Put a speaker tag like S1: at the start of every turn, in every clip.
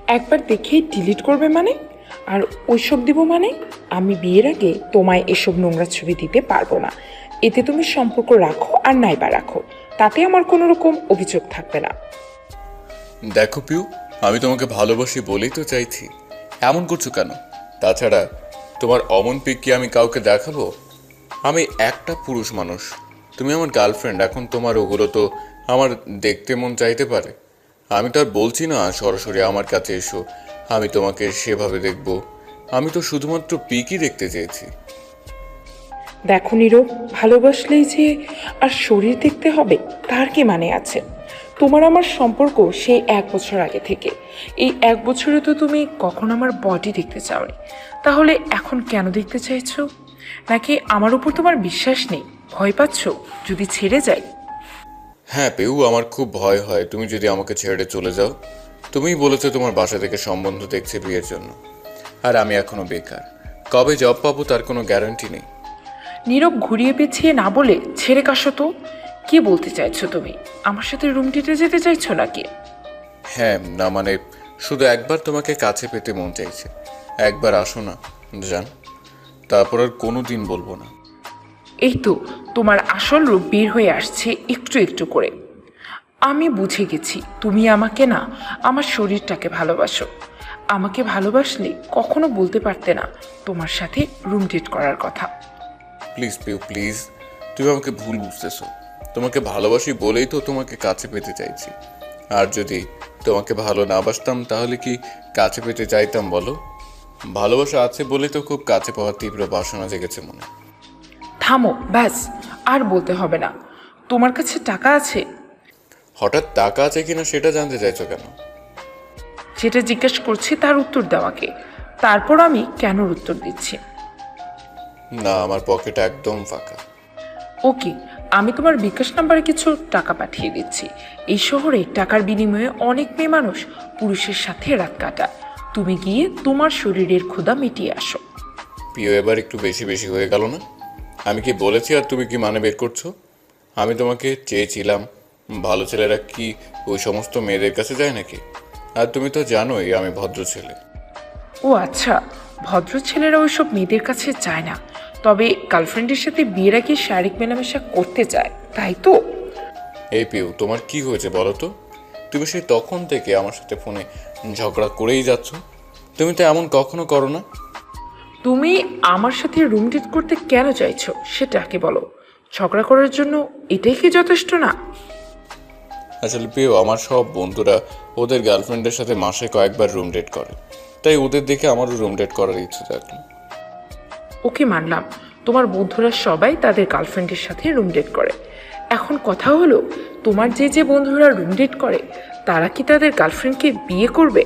S1: একবার দেখেই ডিলিট করবে মানে? আর ওইসব দিব মানে? আমি বিয়ের আগে তোমায় এসব নোংরা ছবি দিতে পারবো না। এতে তুমি সম্পর্ক রাখো আর নাইবা রাখো, তাতে আমার কোনো রকম অভিযোগ থাকবে না।
S2: দেখো পিউ, আমি তোমাকে ভালোবাসি বলেই তো চাইছি, এমন করছো কেন? তাছাড়া তোমার অমন পিক কি আমি কাউকে দেখাবো? আমি একটা পুরুষ মানুষ, তুমি আমার গার্লফ্রেন্ড। এখন তোমার ওগুলো তো আমার দেখতে মন চাইতে পারে। আমি তো আর বলছি না সরাসরি আমার কাছে এসো, আমি তোমাকে সেভাবে দেখব। আমি তো শুধুমাত্র পিকই দেখতে চেয়েছি।
S1: দেখো নীরব, ভালোবাসলেই যে আর শরীর দেখতে হবে তার কি মানে আছে? তোমার আমার সম্পর্ক সেই 1 বছর আগে থেকে। এই 1 বছরে তো তুমি কখন আমার বডি দেখতে চাওনি, তাহলে এখন কেন দেখতে চাইছো? নাকি আমার উপর তোমার বিশ্বাস নেই, ভয় পাচ্ছ যদি ছেড়ে যাই?
S2: হ্যাঁ পেউ, আমার খুব ভয় হয় তুমি যদি আমাকে ছেড়ে চলে যাও। তুমিই বলেছো তোমার বাসা থেকে সম্বন্ধ দেখছে বিয়ের জন্য, আর আমি এখনো বেকার। কবে জব পাবো তার কোনো গ্যারান্টি নেই।
S1: নীরব ঘুরিয়ে পেছিয়ে না বলে ছেড়ে কাশো তো। কি বলতে চাইছো তুমি? আমার সাথে রুম ডেটে যেতে চাইছো নাকি?
S2: হ্যাঁ, না মানে শুধু একবার তোমাকে কাছে পেতে মন চাইছে। একবার আসো না জান, তারপর আর কোনো দিন বলবো না।
S1: এই তো তোমার আসল রূপ বের হয়ে আসছে একটু একটু করে। আমি বুঝে গেছি তুমি আমাকে না, আমার শরীরটাকে ভালোবাসো। আমাকে ভালোবাসলে কখনো বলতে পারতে না তোমার সাথে রুম ডেট করার কথা।
S2: প্লিজ পিউ প্লিজ, তুমি আমাকে ভুল বুঝতেছো। তোমাকে ভালোবাসি বলেই তো তোমাকে কাছে পেতে চাইছি। আর যদি তোমাকে ভালো না বাসতাম তাহলে কি কাছে পেতে চাইতাম বলো? ভালোবাসা আছে বলেই তো খুব কাছে পাওয়ার তীব্র বাসনা জেগেছে মনে।
S1: থামো ব্যাস, আর বলতে হবে না। তোমার কাছে টাকা আছে?
S2: হঠাৎ টাকা আছে কিনা সেটা জানতে চাইছো কেন?
S1: যেটা জিজ্ঞেস করছি তার উত্তর দেওয়াকে, তারপর আমি কেন উত্তর দিচ্ছি।
S2: না, আমার পকেট একদম ফাঁকা।
S1: ওকে, আমি তোমার বিকাশ নাম্বারে কিছু টাকা পাঠিয়ে দিচ্ছি। এই শহরে টাকার বিনিময়ে অনেক মেয়ে মানুষ পুরুষের সাথে রাত কাটায়। তুমি গিয়ে তোমার শরীরের ক্ষুধা মিটিয়ে আসো।
S2: প্রিয়, এবার একটু বেশি বেশি হয়ে গেল না? আমি কি বলেছি আর তুমি কি মানে বের করছো? আমি তোমাকে চেয়েছিলাম। ভালো ছেলেরা কি ওই সমস্ত মেয়েদের কাছে যায় নাকি? আর তুমি তো জানোই আমি ভদ্র ছেলে।
S1: ও আচ্ছা, ভদ্র ছেলেরা ওইসব মেয়েদের কাছে যায় না, তবে গার্লফ্রেন্ডের সাথে বিয়ের আগে শারীরিক মেলামেশা করতে চায়, তাই তো?
S2: এই পিউ, তোমার কি হয়েছে বলো তো? তুমি সেই তখন থেকে আমার সাথে ফোনে ঝগড়া করেই যাচ্ছ। তুমি তো এমন কখনো করো না।
S1: তুমি আমার সাথে রুম ডেট করতে কেন চাইছো সেটা কি বলো? ঝগড়া করার জন্য এটাই কি যথেষ্ট না?
S2: আসলে পিউ, আমার সব বন্ধুরা ওদের গার্লফ্রেন্ডের সাথে মাসে কয়েকবার রুম ডেট করে, তাই ওদের দেখে আমারও রুম ডেট করার ইচ্ছে থাকলো।
S1: ওকে মানলাম, তোমার বন্ধুরা সবাই তাদের গার্লফ্রেন্ডের সাথে রুম ডেট করে। এখন কথা হলো, তোমার যে যে বন্ধুরা রুম ডেট করে তারা কি তাদের গার্লফ্রেন্ডকে বিয়ে করবে?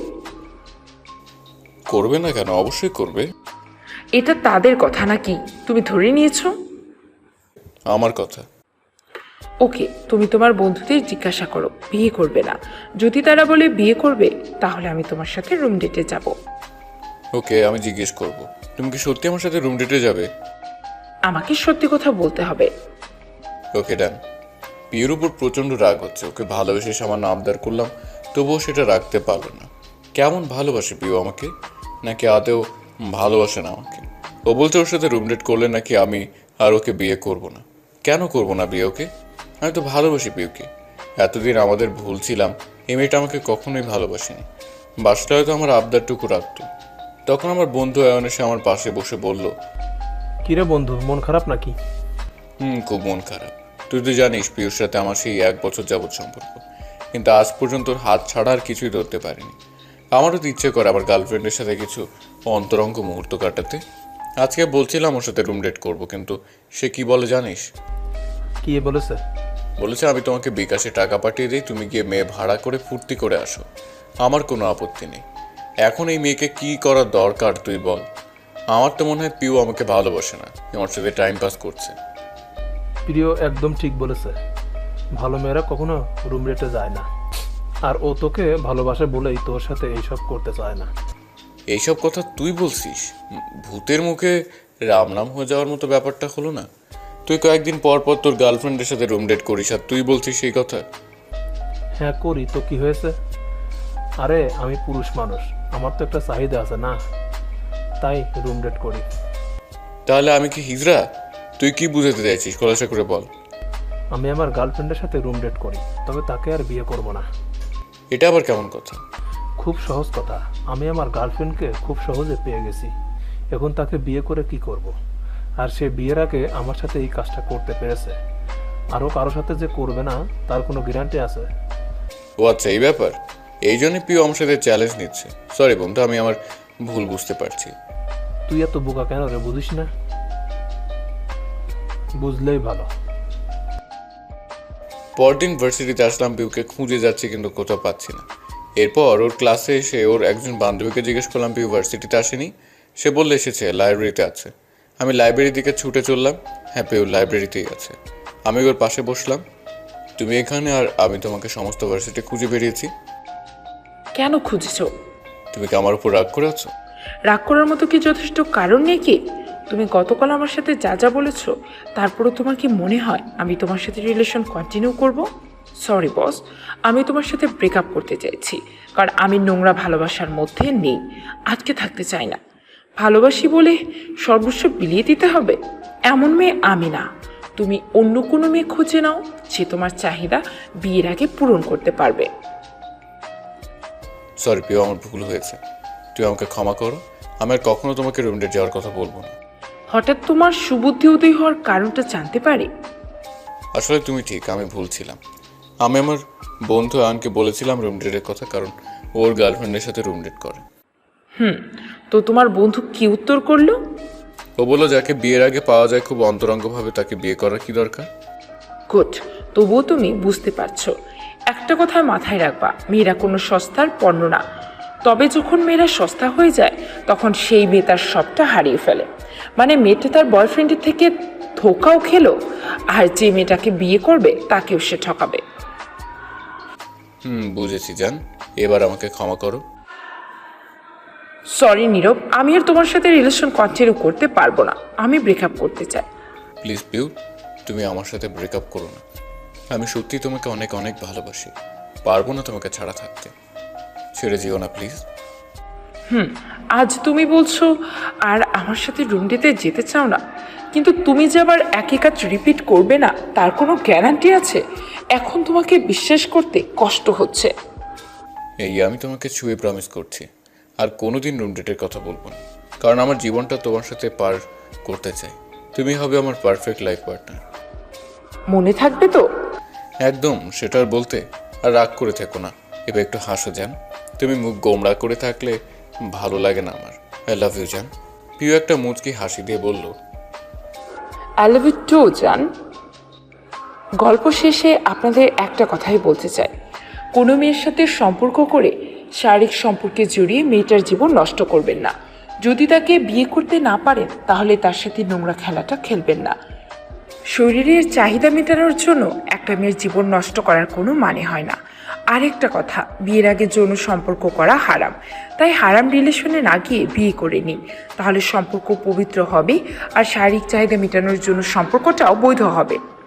S2: করবে না কেন? অবশ্যই করবে।
S1: এটা তাদের কথা নাকি তুমি ধরে নিয়েছো?
S2: আমার কথা।
S1: ওকে, তুমি তোমার বন্ধুদের জিজ্ঞাসা করো বিয়ে করবে না। যদি তারা বলে বিয়ে করবে, তাহলে আমি তোমার সাথে রুম ডেটে যাব।
S2: ওকে, আমি জিজ্ঞেস করব। তুমি কি সত্যি আমার সাথে রুম ডেটে যাবে?
S1: আমাকে সত্যি কথা বলতে হবে।
S2: ওকে ডান। পিউর উপর প্রচণ্ড রাগ হচ্ছে। ওকে ভালোবেসে সামান্য আবদার করলাম, তবুও সেটা রাখতে পারলো না। কেমন ভালোবাসে পিউ আমাকে, নাকি আদেও ভালোবাসে না আমাকে? ও বলছে ওর সাথে রুম ডেট করলে নাকি আমি আর ওকে বিয়ে করব না। কেন করব না বিয়ে ওকে? আমি তো ভালোবাসি পিউকে। এতদিন আমাদের ভুল ছিলাম, এই মেয়েটা আমাকে কখনোই ভালোবাসেনি। বাসটা হয়তো আমার আবদারটুকু রাখতো। তখন আমার বন্ধু অয়ন এসে আমার পাশে বসে বলল,
S3: কিরে বন্ধু, মন খারাপ নাকি?
S2: খুব মন খারাপ। তুই তো জানিস পিউর সাথে আমার সেই 1 বছর যাবৎ সম্পর্ক, কিন্তু আজ পর্যন্ত ওর হাত ছাড়া আর কিছুই ধরতে পারিনি। আমারও তো ইচ্ছে করে আমার গার্লফ্রেন্ডের সাথে কিছু অন্তরঙ্গ মুহূর্ত কাটাতে। আজকে বলছিলাম ওর সাথে রুম ডেট করবো, কিন্তু সে কি বলে জানিস?
S3: কি বলেছে?
S2: বলেছে আমি তোমাকে বিকাশে টাকা পাঠিয়ে দিই, তুমি গিয়ে মেয়ে ভাড়া করে ফুর্তি করে আসো। আমার কোনো আপত্তি নেই। এখন এই মেয়েকে কি করার দরকার তুই বল? আমার তো মনে হয় পিউ আমাকে ভালোবাসে না, আমার সাথে টাইম পাস করছে।
S3: প্রিয় একদম ঠিক বলেছে। ভালো মেয়েরা কখনো রুম রেটে যায় না, আর ও তোকে ভালোবাসে বলেই তোর সাথে এইসব করতে চায় না।
S2: এইসব কথা তুই বলছিস? ভূতের মুখে রাম নাম হয়ে যাওয়ার মতো ব্যাপারটা হলো না? তুই কয়েকদিন পর পর তোর গার্লফ্রেন্ডের সাথে রুম ডেট করিস আর তুই বলছিস সেই কথা?
S3: হ্যাঁ করি তো, কি হয়েছে? আরে আমি পুরুষ মানুষ, আমার তো একটা চাহিদা আছে না, তাই রুম ডেট করি।
S2: তাহলে আমি কি হিজড়া? তুই কি বুঝাতে চাইছিস, খোলাসা করে বল।
S3: আমি আমার গার্লফ্রেন্ডের সাথে রুম ডেট করি, তবে তাকে আর বিয়ে করব না।
S2: এটা আবার কেমন কথা?
S3: খুব সহজ কথা, আমি আমার গার্লফ্রেন্ডকে খুব সহজে পেয়ে গেছি, এখন তাকে বিয়ে করে কি করব। আর সে বিয়ের আগে আমার সাথে এই কাজটা করতে পেরেছে, আরও কারোর সাথে যে করবে না তার কোনো গ্যারান্টি আছে?
S2: ও আচ্ছা, এই ব্যাপার। এই জন্যই প্রিয় আমার সাথে চ্যালেঞ্জ নিচ্ছে। সরি বন্ধু, আমি আমার ভুল বুঝতে পারছি।
S3: তুই এত বোকা কেন রে, বুঝিস না? বুঝলেই ভালো।
S2: পরদিন ভার্সিটিতে আসলাম, পিউকে খুঁজে যাচ্ছি কিন্তু কোথাও পাচ্ছি না। এরপর ওর ক্লাসে এসে ওর একজন বান্ধবীকে জিজ্ঞেস করলাম পিউ ভার্সিটিতে আসেনি। সে বললে এসেছে, লাইব্রেরিতে আছে। আমি লাইব্রেরির দিকে ছুটে চললাম। হ্যাঁ, পিউ লাইব্রেরিতেই আছে। আমি ওর পাশে বসলাম। তুমি এখানে আর আমি তোমাকে সমস্ত ভার্সিটি খুঁজে বেরিয়েছি।
S1: কেন খুঁজেছো?
S2: তুমি কি আমার উপর রাগ করে আছো?
S1: রাগ করার মতো কি যথেষ্ট কারণ নেই কি? তুমি গতকাল আমার সাথে যা যা বলেছো, তারপরও তোমার কি মনে হয় আমি তোমার সাথে রিলেশন কন্টিনিউ করব? সরি বস, আমি তোমার সাথে ব্রেকআপ করতে চাইছি, কারণ আমি নোংরা ভালোবাসার মধ্যে নেই, আজকে থাকতে চাই না। ভালোবাসি বলে সর্বস্ব বিলিয়ে দিতে হবে এমন মেয়ে আমি না। তুমি অন্য কোনো মেয়ে খুঁজে নাও যে তোমার চাহিদা বিয়ের আগে পূরণ করতে পারবে।
S2: সরি পিউ, আমার ভুল হয়েছে। তুই আমাকে ক্ষমা করো। আমি আর কখনো তোমাকে রুম ডেট যাওয়ার কথা বলবো না।
S1: হঠাৎ তোমার সুবুদ্ধি উদয় হওয়ার কারণটা জানতে পারি?
S2: আসলে তুমি ঠিক, আমি ভুল ছিলাম। আমি আমার বন্ধু আয়নকে বলেছিলাম রুম ডেটের কথা, কারণ ওর গার্লফ্রেন্ডের সাথে রুম ডেট করে।
S1: তো তোমার বন্ধু কি উত্তর করলো?
S2: ও বললো যাকে বিয়ের আগে পাওয়া যায় খুব অন্তরঙ্গভাবে, তাকে বিয়ে করার কি দরকার।
S1: গুড, তবুও তুমি বুঝতে পারছো। একটা কথা মাথায় রাখবা, মেয়েরা কোনো সস্তার পণ্য না। তবে যখন মেয়েরা সস্তা হয়ে যায়, তখন সেই মেয়ে তার সবটা হারিয়ে ফেলে। মানে মেয়েটা তার বয়ফ্রেন্ডের থেকে ধোকাও খেলো, আর যে মেয়েটাকে বিয়ে করবে তাকেও সে ঠকাবে।
S2: বুঝেছি জান, এবার আমাকে ক্ষমা করো।
S1: সরি নীরব, আমি আর তোমার সাথে রিলেশন কন্টিনিউ করতে পারবো না, আমি ব্রেকআপ করতে চাই।
S2: প্লিজ পিউ, তুমি আমার সাথে ব্রেকআপ করো না। আমি সত্যি তোমাকে অনেক অনেক ভালোবাসি, পারবো না তোমাকে ছাড়া থাকতে। ছেড়ে যেও না প্লিজ।
S1: আজ তুমি বলছো আর আমার সাথে রুম ডেতে যেতে চাও না, কিন্তু তুমি যে আবার একই কাজ রিপিট করবে না তার কোনো গ্যারান্টি আছে? এখন তোমাকে বিশ্বাস করতে কষ্ট হচ্ছে।
S2: এই আমি তোমাকে ছুঁয়ে প্রমিস করছি, আর কোনোদিন রুম ডেটের কথা বলবো না, কারণ আমার জীবনটা তোমার সাথে পার করতে চাই। তুমি হবে আমার পারফেক্ট লাইফ পার্টনার।
S1: মনে থাকবে তো?
S2: একদম, সেটা আর বলতে। আর রাগ করে থেকো না, এবার একটু হাসো জান। তুমি মুখ গোমড়া করে থাকলে ভালো লাগে না আমার। আই লাভ ইউ জান। পিউ একটা মুচকি হাসি দিয়ে বলল,
S1: আই লাভ ইউ টু জান। গল্প শেষে আপনাদের একটা কথাই বলতে চাই, কোনো মেয়ের সাথে সম্পর্ক করে শারীরিক সম্পর্কে জড়িয়ে মেয়েটার জীবন নষ্ট করবেন না। যদি তাকে বিয়ে করতে না পারেন তাহলে তার সাথে নোংরা খেলাটা খেলবেন না। শরীরের চাহিদা মেটানোর জন্য একটা মেয়ের জীবন নষ্ট করার কোনো মানে হয় না। আরেকটা কথা, বিয়ের আগে যৌন সম্পর্ক করা হারাম, তাই হারাম রিলেশনে না গিয়ে বিয়ে করে নিন, তাহলে সম্পর্ক পবিত্র হবে আর শারীরিক চাহিদা মেটানোর জন্য সম্পর্কটাও বৈধ হবে।